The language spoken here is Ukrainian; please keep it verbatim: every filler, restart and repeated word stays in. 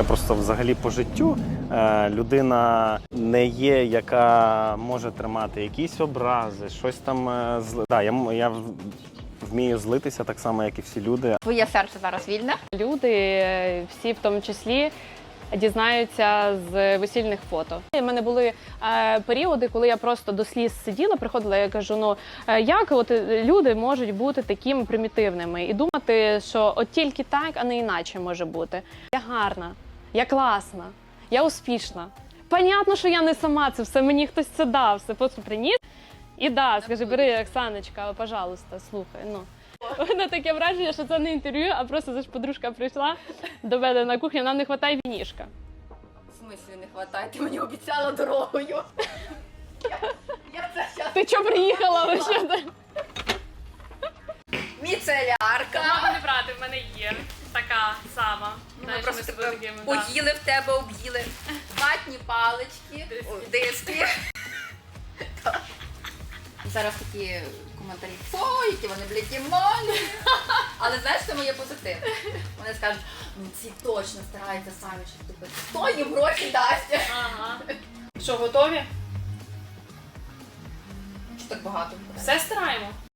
просто взагалі по життю е, людина не є, яка може тримати якісь образи, щось там е, зли. Да, я, м- я в- вмію злитися так само, як і всі люди. Твоє серце зараз вільне? Люди, всі в тому числі, дізнаються з весільних фото. У мене були е, періоди, коли я просто до сліз сиділа, приходила, я кажу, ну е, як от люди можуть бути такими примітивними і думати, що от тільки так, а не іначе може бути. Я гарна, я класна, я успішна. Понятно, що я не сама це все, мені хтось це дав, все просто приніс. І да, скажи, бери, Оксаночка, пожалуйста, слухай, ну. У мене таке враження, що це не інтерв'ю, а просто це ж подружка прийшла до мене на кухню, нам не вистачає вінішка. В смислі не вистачає? Ти мені обіцяла дорогою. Я, я це щас... Ти чого приїхала вообще? Міцелярка. Мама не брати, в мене є така сама. Ми просто тебе поїли в тебе, об'їли. Ватні палички, Диски. о, диски. Зараз такі коментарі, о, які вони, блядь, і малі. Але знаєш, це моє позитив. Вони скажуть, ну ці точно стараються самі щось купити. Хто їм гроші дасть? Ага. Що, готові? Що так багато? Все стараємо.